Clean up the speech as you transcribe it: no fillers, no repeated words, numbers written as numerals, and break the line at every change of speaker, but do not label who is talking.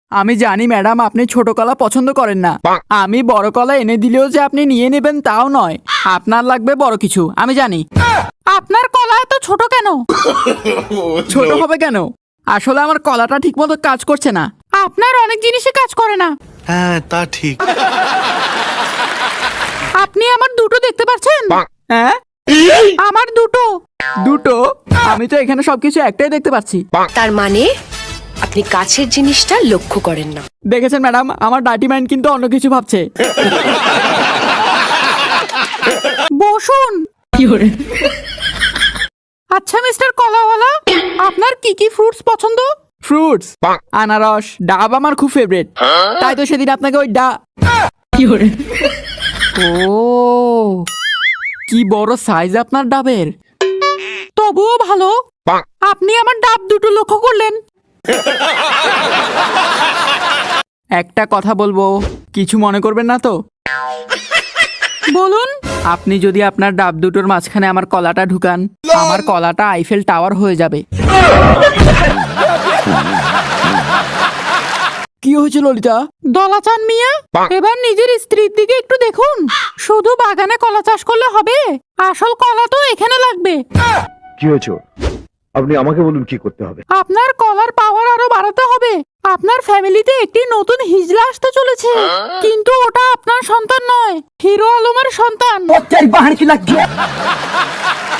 আমি জানি ম্যাডাম আপনি ছোট কলা পছন্দ করেন না। আমি বড় কলা এনে দিলেও যে আপনি নিয়ে নেবেন তাও নয়, আপনার লাগবে বড় কিছু, আমি জানি। আপনার কলা এত ছোট কেন? ছোট হবে কেন? আসলে আমার কলাটা ঠিকমতো কাজ করছে না। আপনার অনেক জিনিসই কাজ করে না।
হ্যাঁ তা ঠিক।
আপনি আমার দুটো দেখতে পাচ্ছেন? হ্যাঁ, আমার দুটো। দুটো? আমি তো এখানে সবকিছু একটাই দেখতে পাচ্ছি।
তার মানে আপনি কাছের জিনিসটা লক্ষ্য করেন না।
দেখেছেন ম্যাডাম, আমার ডার্টি মাইন্ড কিন্তু অন্য কিছু ভাবছে। বসুন। আচ্ছা মিস্টার কলাওয়ালা, আপনার কি কি ফ্রুটস পছন্দ? ফ্রুটস? আনারস, ডাব আমার খুব ফেভারিট। তাই তো সেদিন আপনাকে ওই ও, কি বড় সাইজ আপনার ডাবের। তবুও ভালো। আপনি আমার ডাব দুটো লক্ষ্য করলেন। একটা কথা বলবো, কিছু মনে করবেন না তো? বলুন। আপনি যদি আপনার ডাব দুটোর মাঝখানে আমার কলাটা ঢুকান, আমার কলাটা আইফেল টাওয়ার হয়ে যাবে। কি হয়েছে ললিতা? দলাচান মিয়া, এবার নিজের স্ত্রীর দিকে একটু দেখুন। শুধু বাগানে কলা চাষ করলে হবে? আসল কলা তো এখানে লাগবে।
কি হয়েছে? আপনি আমাকে বলুন কি করতে হবে।
আপনার কলার পাওয়ার আরো বাড়াতে হবে। আপনার ফ্যামিলিতে একটি নতুন হিজলা আসতে চলেছে, কিন্তু ওটা আপনার সন্তান নয়, হিরো আলমের সন্তান।